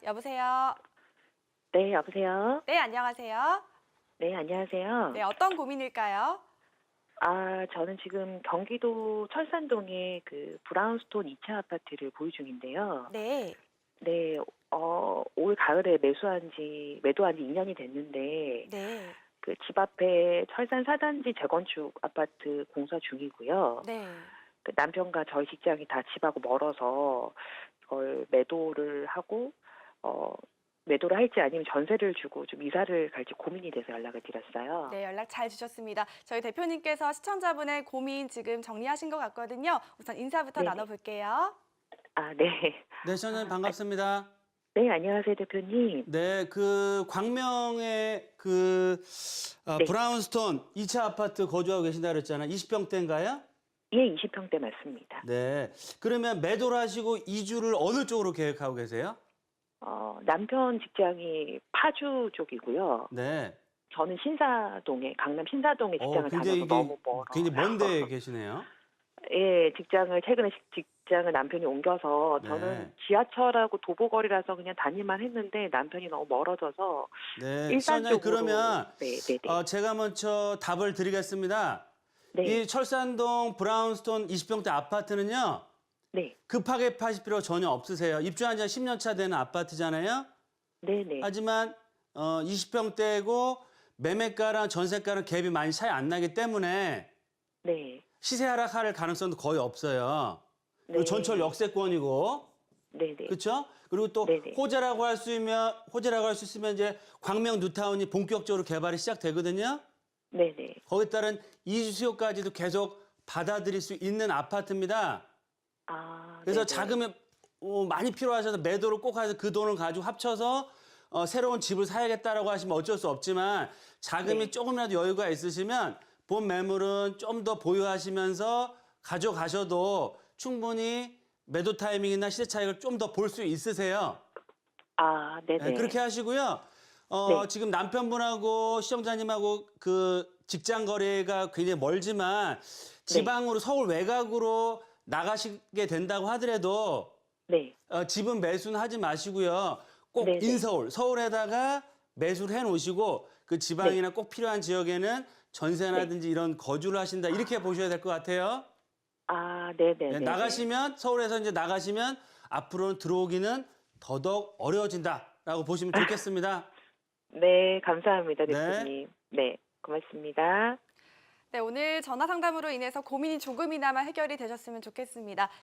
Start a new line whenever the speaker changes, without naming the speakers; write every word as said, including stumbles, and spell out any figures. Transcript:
여보세요?
네, 여보세요?
네, 안녕하세요.
네, 안녕하세요.
네, 어떤 고민일까요?
아, 저는 지금 경기도 철산동에 그 브라운스톤 이 차 아파트를 보유 중인데요.
네.
네, 어, 올 가을에 매수한 지, 매도한 지 이 년이 됐는데,
네.
그 집 앞에 철산 사 단지 재건축 아파트 공사 중이고요.
네.
그 남편과 저희 직장이 다 집하고 멀어서 이걸 매도를 하고, 어, 매도를 할지 아니면 전세를 주고 좀 이사를 갈지 고민이 돼서 연락을 드렸어요.
네, 연락 잘 주셨습니다. 저희 대표님께서 시청자분의 고민 지금 정리하신 것 같거든요. 우선 인사부터
네네.
나눠볼게요.
아, 네.
네, 시청자님
아,
반갑습니다.
네, 안녕하세요, 대표님.
네, 그 광명의 그 어,
네.
브라운스톤 이 차 아파트 거주하고 계신다 그랬잖아요. 이십 평대인가요?
예, 이십 평대 맞습니다.
네. 그러면 매도를 하시고 이주를 어느 쪽으로 계획하고 계세요?
어, 남편 직장이 파주 쪽이고요.
네.
저는 신사동에, 강남 신사동에
어,
직장을
굉장히
다녀서
이게
너무 멀어요.
굉장히 먼 데에 계시네요.
예, 직장을, 최근에 직- 직장을 남편이 옮겨서 저는
네.
지하철하고 도보거리라서 그냥 다니만 했는데 남편이 너무 멀어져서
네.
일산
시청자님
쪽으로.
그러면
네, 네, 네.
어, 제가 먼저 답을 드리겠습니다.
네,
이 철산동 브라운스톤 이십 평대 아파트는요.
네,
급하게 파실 필요 전혀 없으세요. 입주한 지 십 년 차 되는 아파트잖아요.
네, 네,
하지만 어, 이십 평대고 매매가랑 전세가랑 갭이 많이 차이 안 나기 때문에
네,
시세 하락할 가능성도 거의 없어요. 그리고
네.
전철 역세권이고,
네, 네,
그렇죠? 그리고 또
네네.
호재라고 할 수 있으면 호재라고 할 수 있으면 이제 광명 뉴타운이 본격적으로 개발이 시작되거든요.
네, 네.
거기에 따른 이주 수요까지도 계속 받아들일 수 있는 아파트입니다.
아,
그래서
네네.
자금이 어, 많이 필요하셔서 매도를 꼭 해서 그 돈을 가지고 합쳐서 어, 새로운 집을 사야겠다라고 하시면 어쩔 수 없지만 자금이
네.
조금이라도 여유가 있으시면 본 매물은 좀 더 보유하시면서 가져가셔도 충분히 매도 타이밍이나 시세 차익을 좀 더 볼 수 있으세요.
아, 네네.
네, 그렇게 하시고요. 어,
네.
지금 남편분하고 시청자님하고 그 직장 거리가 굉장히 멀지만 지방으로 서울 외곽으로 나가시게 된다고 하더라도
네.
어, 집은 매수는 하지 마시고요. 꼭
네네.
인서울, 서울에다가 매수를 해 놓으시고 그 지방이나 꼭 필요한 지역에는 전세라든지 이런 거주를 하신다. 이렇게 보셔야 될 것 같아요.
아, 네네네.
네, 나가시면 서울에서 이제 나가시면 앞으로는 들어오기는 더더욱 어려워진다라고 보시면 좋겠습니다.
네, 감사합니다,
네.
대표님. 네, 고맙습니다.
네, 오늘 전화 상담으로 인해서 고민이 조금이나마 해결이 되셨으면 좋겠습니다.